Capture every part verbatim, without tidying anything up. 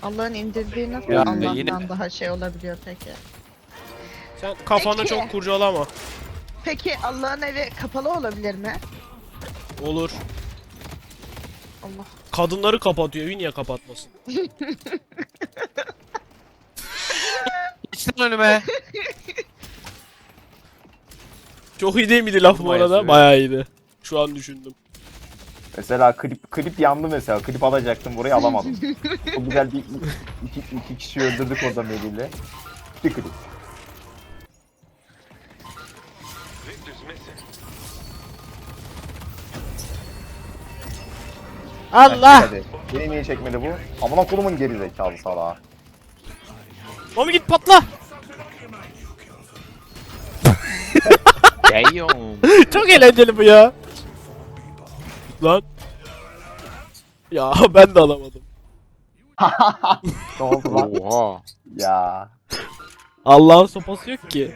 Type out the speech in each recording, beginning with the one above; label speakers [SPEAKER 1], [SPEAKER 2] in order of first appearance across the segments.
[SPEAKER 1] Allah'ın indirdiği nasıl
[SPEAKER 2] Ya,
[SPEAKER 1] Allah'tan
[SPEAKER 2] yine-
[SPEAKER 1] daha şey olabiliyor peki?
[SPEAKER 3] Sen kafanı
[SPEAKER 1] Peki.
[SPEAKER 3] çok kurcalama.
[SPEAKER 1] Peki Allah'ın evi kapalı olabilir mi?
[SPEAKER 3] Olur.
[SPEAKER 1] Allah.
[SPEAKER 3] Kadınları kapatıyor. Evi niye kapatmasın?
[SPEAKER 2] Geç lan önüme.
[SPEAKER 3] Çok iyi değil miydi laf bu
[SPEAKER 2] Bayağı
[SPEAKER 3] arada?
[SPEAKER 2] seviyorum.
[SPEAKER 3] Bayağı iyiydi. Şu an düşündüm.
[SPEAKER 4] Mesela klip klip yandı mesela. Klip alacaktım, burayı alamadım. Çok güzel bir iki, iki kişi öldürdük orada Melih'le. Bir klip.
[SPEAKER 3] Allah!
[SPEAKER 4] Hadi. Beni niye çekmedi bu? Amına kolumun geri zekalı salağı.
[SPEAKER 3] Mami git patla!
[SPEAKER 2] Damn.
[SPEAKER 3] Çok eğlenceli bu ya. Lan. Ya ben de alamadım.
[SPEAKER 4] Ne oldu lan?
[SPEAKER 2] Oha.
[SPEAKER 4] Ya.
[SPEAKER 3] Allah'ın sopası yok ki.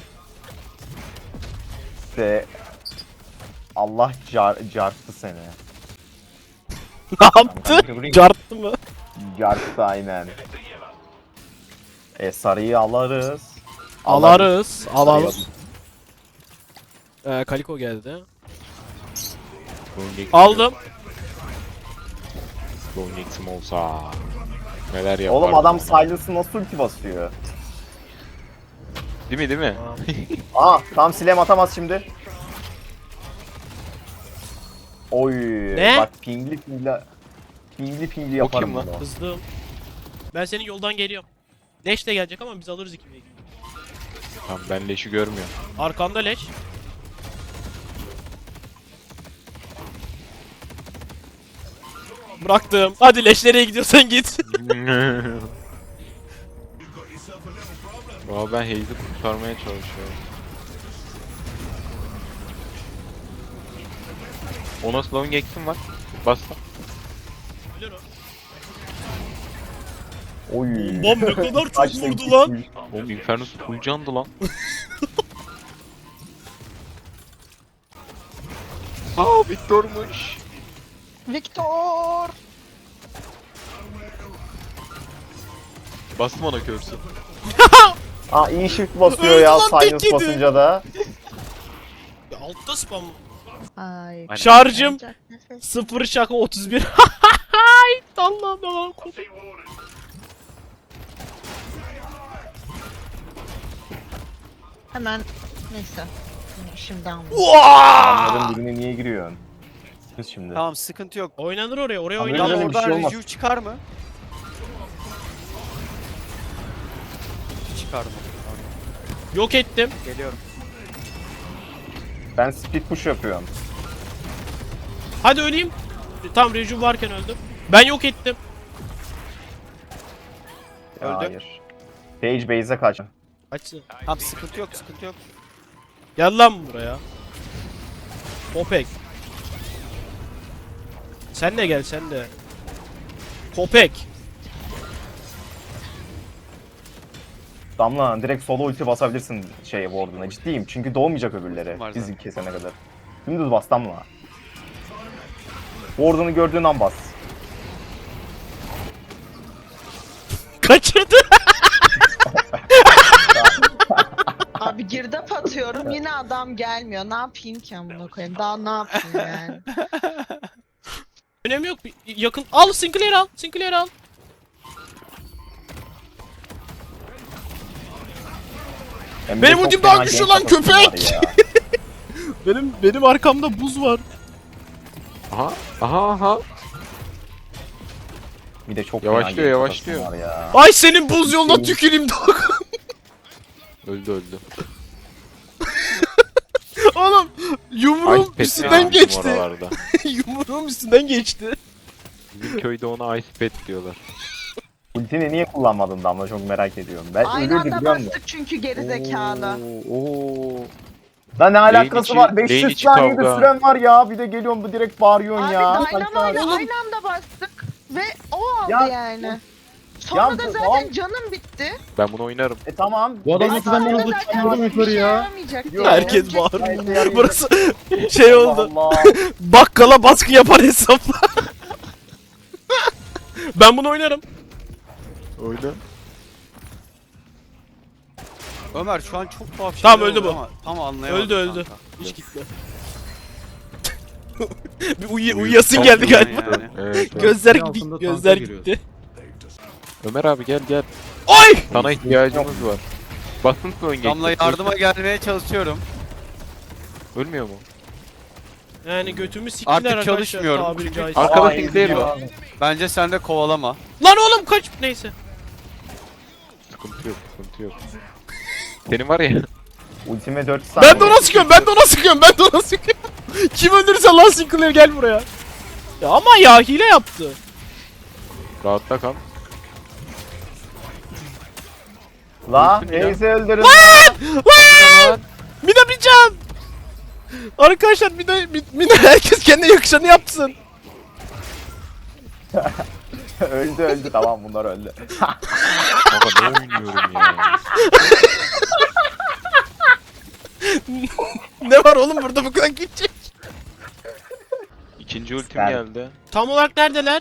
[SPEAKER 4] İşte Allah car carttı seni.
[SPEAKER 3] Ne yaptı? Carttı mı?
[SPEAKER 4] Carttı aynen. E sarıyı alırız.
[SPEAKER 3] Alarız. Alalım.
[SPEAKER 4] Sarıyı
[SPEAKER 3] Ee, Kaliko geldi.
[SPEAKER 2] Bonex'im
[SPEAKER 3] Aldım.
[SPEAKER 2] Bonex'im olsa. Neler yapar.
[SPEAKER 4] Oğlum adam silence'ı nasıl ulti basıyor?
[SPEAKER 2] Değil mi değil mi?
[SPEAKER 4] Aa tam silem atamaz şimdi. Oy.
[SPEAKER 3] Ne?
[SPEAKER 4] Bak pingli pingli. Pingli pingli yaparım
[SPEAKER 2] kim lan?
[SPEAKER 4] bunu.
[SPEAKER 3] Kızdım. Ben senin yoldan geliyorum. Leş de gelecek ama biz alırız ikimizi.
[SPEAKER 2] Tamam ben leşi görmüyorum.
[SPEAKER 3] Arkanda leş. Bıraktım. Hadi leş nereye gidiyorsan git.
[SPEAKER 2] Valla ben Haze'i kurtarmaya çalışıyorum. Ona slowing X'im var. Bas.
[SPEAKER 3] Ölür o.
[SPEAKER 4] Oy.
[SPEAKER 3] Bombam ne kadar çok
[SPEAKER 4] Kaç
[SPEAKER 3] vurdu
[SPEAKER 4] tek
[SPEAKER 3] lan.
[SPEAKER 4] gitmiş.
[SPEAKER 2] Oğlum Infernus full candı lan. Aa Victor'muş.
[SPEAKER 1] Victor!
[SPEAKER 2] Bastım ona körsü.
[SPEAKER 4] Aa iyi shift basıyor
[SPEAKER 3] Öldü
[SPEAKER 4] ya
[SPEAKER 3] lan, tek
[SPEAKER 4] silence
[SPEAKER 3] yedi.
[SPEAKER 4] basınca da.
[SPEAKER 3] Ya altta spam.
[SPEAKER 1] Ay.
[SPEAKER 2] Aynen.
[SPEAKER 3] Şarjım
[SPEAKER 1] Olacak nefes.
[SPEAKER 3] sıfır şaka otuz bir. Hay Allah'ım Allah'ım.
[SPEAKER 1] Hemen neyse. Şimdi aldım.
[SPEAKER 4] Onların birine niye giriyorsun? Kız şimdi.
[SPEAKER 5] Tamam sıkıntı yok.
[SPEAKER 3] Oynanır oraya, oraya
[SPEAKER 4] Tamam,
[SPEAKER 3] oynanır.
[SPEAKER 4] öyle
[SPEAKER 5] Lan
[SPEAKER 4] bir şey
[SPEAKER 5] oradan
[SPEAKER 4] olmaz.
[SPEAKER 5] review çıkar mı? Çıkardım.
[SPEAKER 3] Yok ettim.
[SPEAKER 5] Geliyorum.
[SPEAKER 4] Ben speed push yapıyorum.
[SPEAKER 3] Hadi öleyim. Tam rejim varken öldüm. Ben yok ettim.
[SPEAKER 4] Ya,
[SPEAKER 5] Öldü.
[SPEAKER 4] hayır. Page base'e kaç.
[SPEAKER 3] Açsın.
[SPEAKER 5] Tamam sıkıntı yok sıkıntı yok.
[SPEAKER 3] Gel lan buraya. Kopek. Sen de gel sen de. Kopek.
[SPEAKER 4] Damla direkt solo ulti basabilirsin şey ward'una. Ciddiyim çünkü doğmayacak öbürleri.
[SPEAKER 5] Var
[SPEAKER 4] Bizi
[SPEAKER 5] zaten.
[SPEAKER 4] kesene kadar. Dümdüz bas Damla. Ward'unu gördüğün an bas.
[SPEAKER 3] Kaçırdı.
[SPEAKER 1] Abi girdap atıyorum yine adam gelmiyor. Ne yapayım ki amına koyayım? Daha ne yapayım yani?
[SPEAKER 3] Önemi yok. Bir- Yakın. Al Sinclair al. Sinclair al.
[SPEAKER 4] Hem de
[SPEAKER 3] Benim
[SPEAKER 4] çok
[SPEAKER 3] ultim
[SPEAKER 4] fena
[SPEAKER 3] daha güçlü
[SPEAKER 4] gank
[SPEAKER 3] lan,
[SPEAKER 4] atasın
[SPEAKER 3] köpek!
[SPEAKER 4] var ya.
[SPEAKER 3] Benim benim arkamda buz var.
[SPEAKER 2] Aha. Aha aha.
[SPEAKER 4] Bir de çok
[SPEAKER 2] Yavaşlıyor,
[SPEAKER 4] fena gank
[SPEAKER 2] yavaşlıyor.
[SPEAKER 4] atasın var ya.
[SPEAKER 3] Ay senin buz yoluna tüküreyim Doğukan.
[SPEAKER 2] Öldü öldü.
[SPEAKER 3] Oğlum yumruğum
[SPEAKER 2] Ice Pet
[SPEAKER 3] üstünden
[SPEAKER 2] lazım
[SPEAKER 3] geçti.
[SPEAKER 2] oralarda.
[SPEAKER 3] Yumruğum üstünden geçti.
[SPEAKER 2] Bizim köyde ona Ice Pet diyorlar.
[SPEAKER 4] Ultini niye kullanmadın Damla çok merak ediyorum. Ben
[SPEAKER 1] Aynı
[SPEAKER 4] ölürdü
[SPEAKER 1] anda
[SPEAKER 4] biliyor musun?
[SPEAKER 1] bastık çünkü geri zekalı.
[SPEAKER 2] Oo, oo.
[SPEAKER 4] Lan ne alakası
[SPEAKER 2] içi-
[SPEAKER 4] var?
[SPEAKER 2] lane
[SPEAKER 4] beş yüz
[SPEAKER 2] içi
[SPEAKER 4] saniyede
[SPEAKER 2] kavga.
[SPEAKER 4] süren var ya. Bir de geliyorsun bu direkt bağırıyorsun
[SPEAKER 1] Abi
[SPEAKER 4] ya.
[SPEAKER 1] Dynamo'yla
[SPEAKER 4] Saçma.
[SPEAKER 1] aynı anda bastık ve o aldı
[SPEAKER 4] Ya-
[SPEAKER 1] yani. Sonra
[SPEAKER 4] Ya
[SPEAKER 1] da
[SPEAKER 4] bu-
[SPEAKER 1] zaten canım bitti.
[SPEAKER 2] Ben bunu oynarım.
[SPEAKER 4] E tamam.
[SPEAKER 6] Bu adam
[SPEAKER 4] beş-
[SPEAKER 6] nasıl benden
[SPEAKER 1] Sonra
[SPEAKER 6] hızlı
[SPEAKER 1] zaten
[SPEAKER 6] çıkamadım
[SPEAKER 1] bir
[SPEAKER 6] yukarı
[SPEAKER 1] şey
[SPEAKER 6] ya.
[SPEAKER 1] yaramayacaktı
[SPEAKER 4] Yok,
[SPEAKER 1] yani.
[SPEAKER 3] Herkes
[SPEAKER 1] Ölecektim
[SPEAKER 3] bağırıyor.
[SPEAKER 1] yine.
[SPEAKER 3] Burası şey oldu.
[SPEAKER 4] Allah.
[SPEAKER 3] Bakkala baskı yapar hesapla. Ben bunu oynarım.
[SPEAKER 2] Oyna.
[SPEAKER 5] Ömer şu an çok tuhaf
[SPEAKER 3] Tamam,
[SPEAKER 5] şeyler
[SPEAKER 3] öldü
[SPEAKER 5] oluyor
[SPEAKER 3] bu.
[SPEAKER 5] ama tam anlayamadım.
[SPEAKER 3] Öldü öldü.
[SPEAKER 5] kanka.
[SPEAKER 3] Hiç gitme. Bir uyu uyuyasın geldi galiba.
[SPEAKER 5] Yani.
[SPEAKER 2] Evet, evet.
[SPEAKER 3] Gözler
[SPEAKER 6] Bir
[SPEAKER 3] gitti.
[SPEAKER 6] altında
[SPEAKER 3] Gözler
[SPEAKER 6] tanka
[SPEAKER 3] gitti.
[SPEAKER 2] Ömer abi gel gel.
[SPEAKER 3] Oy!
[SPEAKER 2] Sana ihtiyacımız var. Basın ön
[SPEAKER 5] Damla yardıma gelmeye çalışıyorum.
[SPEAKER 2] Ölmüyor mu?
[SPEAKER 3] Yani götümü siktiler
[SPEAKER 5] Artık
[SPEAKER 3] arkadaşlar.
[SPEAKER 5] çalışmıyorum.
[SPEAKER 3] tabiri
[SPEAKER 5] Çünkü-
[SPEAKER 3] caizse.
[SPEAKER 2] Arkada
[SPEAKER 4] Aa,
[SPEAKER 2] pinkleyelim.
[SPEAKER 4] gidiyor.
[SPEAKER 5] Bence sen de kovalama.
[SPEAKER 3] Lan oğlum kaç. Neyse.
[SPEAKER 2] Sıkıntı yok, sıkıntı yok. Senin var ya.
[SPEAKER 4] Ultime dört saniye.
[SPEAKER 3] Ben de ona sıkıyorum. Ben de ona sıkıyorum. Ben de ona sıkıyorum. Kim öldürürse lan Sinclair gel buraya. Ya ama ya hile yaptı.
[SPEAKER 2] Rahatta kal.
[SPEAKER 4] La
[SPEAKER 2] Ultim ya.
[SPEAKER 4] neyse öldürün.
[SPEAKER 3] Lan! Mina bir can. Arkadaşlar Mina, Mina herkes kendine yakışanı yapsın.
[SPEAKER 4] öldü öldü tamam bunlar öldü.
[SPEAKER 2] Baba ne oynuyorum ya.
[SPEAKER 3] Ne var oğlum burada bu kadar gidecek.
[SPEAKER 2] İkinci ultim
[SPEAKER 4] Ben-
[SPEAKER 2] geldi.
[SPEAKER 3] Tam olarak neredeler?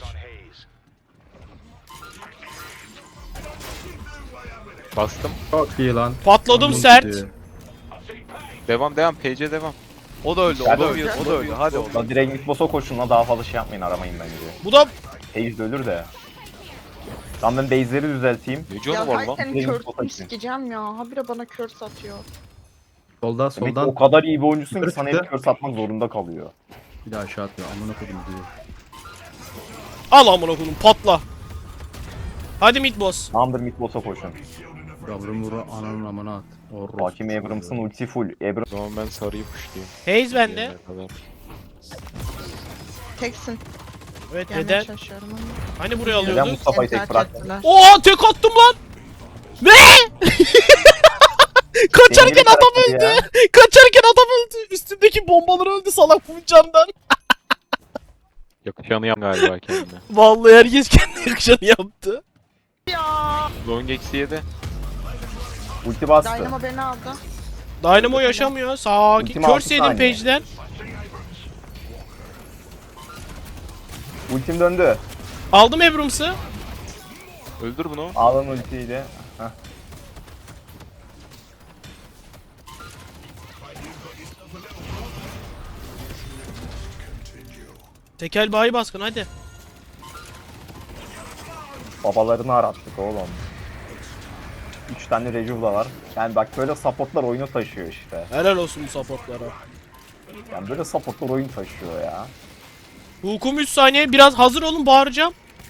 [SPEAKER 2] Bastım.
[SPEAKER 6] Çok iyi lan.
[SPEAKER 3] Patladım
[SPEAKER 6] Aman
[SPEAKER 3] sert.
[SPEAKER 6] gidiyor.
[SPEAKER 2] Devam devam. P C devam.
[SPEAKER 5] O da öldü, o
[SPEAKER 4] Ben-
[SPEAKER 5] da öldü, o da öldü. Hadi oğlum.
[SPEAKER 4] La direkt mid boss'a koşun la daha fazla şey yapmayın aramayın bence.
[SPEAKER 3] Bu da
[SPEAKER 4] Hayes de ölür de. Tamam ben base'leri düzelteyim.
[SPEAKER 2] Ne
[SPEAKER 1] Ya
[SPEAKER 2] canı var
[SPEAKER 1] hay
[SPEAKER 2] lan?
[SPEAKER 1] senin
[SPEAKER 4] Benim
[SPEAKER 1] körsünü
[SPEAKER 4] kafayı.
[SPEAKER 1] sikeceğim ya. Habire bana kör satıyor.
[SPEAKER 6] Solda
[SPEAKER 4] Demek ki
[SPEAKER 6] soldan
[SPEAKER 4] o kadar iyi bir oyuncusun ki
[SPEAKER 6] Yukarı
[SPEAKER 4] sana
[SPEAKER 6] çıktı.
[SPEAKER 4] hep kör satmak zorunda kalıyor.
[SPEAKER 6] bir daha aşağı atıyor. Amına koydum diyor.
[SPEAKER 3] al amına koyayım patla. Hadi mid boss.
[SPEAKER 4] Tamamdır mid boss'a koşun.
[SPEAKER 6] Yavrum vuru ananın amına at. Orros.
[SPEAKER 4] Hakim Abrams'ın ulti full. Abram
[SPEAKER 2] O zaman ben sarıyı pushlayayım.
[SPEAKER 3] Haze bende.
[SPEAKER 2] Yerine kadar.
[SPEAKER 1] Teksin.
[SPEAKER 3] Evet
[SPEAKER 1] Gelmeye
[SPEAKER 3] neden?
[SPEAKER 1] çalışıyorum ama.
[SPEAKER 3] Hani buraya
[SPEAKER 4] neden
[SPEAKER 3] alıyorduk?
[SPEAKER 4] Mustafa'yı
[SPEAKER 1] Seni
[SPEAKER 4] tek
[SPEAKER 1] terk
[SPEAKER 4] bıraktın?
[SPEAKER 1] ettiler.
[SPEAKER 3] Oha tek attım lan. Ne? Kaçarken
[SPEAKER 4] Dengeli
[SPEAKER 3] adam
[SPEAKER 4] karakteri
[SPEAKER 3] öldü.
[SPEAKER 4] ya.
[SPEAKER 3] Kaçarken adam öldü. Üstündeki bombalar öldü salak bu camdan.
[SPEAKER 2] Yakışanı yap galiba kendine.
[SPEAKER 3] Vallahi herkes kendi yakışanı yaptı.
[SPEAKER 1] Ya.
[SPEAKER 2] Long X'i yedi.
[SPEAKER 4] Ulti bastı.
[SPEAKER 1] Dynamo beni aldı.
[SPEAKER 3] Dynamo yaşamıyor. Sakin.
[SPEAKER 4] Ultima altı
[SPEAKER 3] Curse yedim
[SPEAKER 4] saniye.
[SPEAKER 3] page'den.
[SPEAKER 4] Ultim döndü.
[SPEAKER 3] Aldım Abrams'ı.
[SPEAKER 2] Öldür bunu.
[SPEAKER 4] Alın ultiyle. Heh.
[SPEAKER 3] Tekel bayi baskın hadi.
[SPEAKER 4] Babalarını arattık oğlum. üç tane Rejuva var. Yani bak böyle supportlar oyunu taşıyor işte.
[SPEAKER 3] Helal olsun bu supportlara.
[SPEAKER 4] Yani böyle supportlar oyun taşıyor ya.
[SPEAKER 3] Hukum üç saniye. Biraz hazır olun bağıracağım.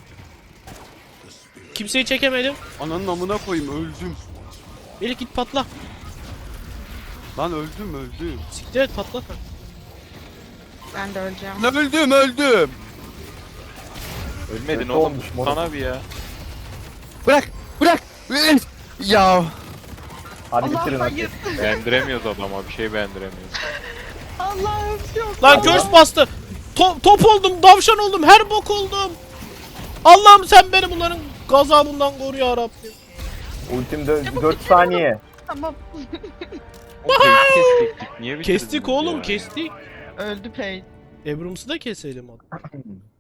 [SPEAKER 3] Kimseyi çekemedim.
[SPEAKER 5] Ananın amına koyayım, öldüm.
[SPEAKER 3] Melih git patla.
[SPEAKER 5] Lan öldüm, öldüm.
[SPEAKER 3] Siktir et patla.
[SPEAKER 1] Ben de öleceğim.
[SPEAKER 5] Lan öldüm, öldüm.
[SPEAKER 2] Ölmedin
[SPEAKER 4] Kötü
[SPEAKER 2] oğlum.
[SPEAKER 4] olmuş moruk.
[SPEAKER 2] Sana bir ya.
[SPEAKER 5] Bırak, bırak. Ya.
[SPEAKER 4] Hadi
[SPEAKER 1] Allah
[SPEAKER 4] bitirin hadi.
[SPEAKER 1] hayır.
[SPEAKER 2] Beğendiremiyoruz adama. Bir şey beğendiremiyoruz.
[SPEAKER 1] Allah'ım yok.
[SPEAKER 3] Lan curse bastı. To- top oldum, davşan oldum, her bok oldum. Allah'ım sen beni bunların gazabından koru ya Rabbim.
[SPEAKER 4] Ultim dört saniye.
[SPEAKER 1] Tamam.
[SPEAKER 2] Oğlum Page'i kestik. Niye bitirdiniz
[SPEAKER 3] Kestik oğlum,
[SPEAKER 2] ya?
[SPEAKER 3] kestik.
[SPEAKER 1] Öldü Paige.
[SPEAKER 3] Abrams'ı da keselim hadi.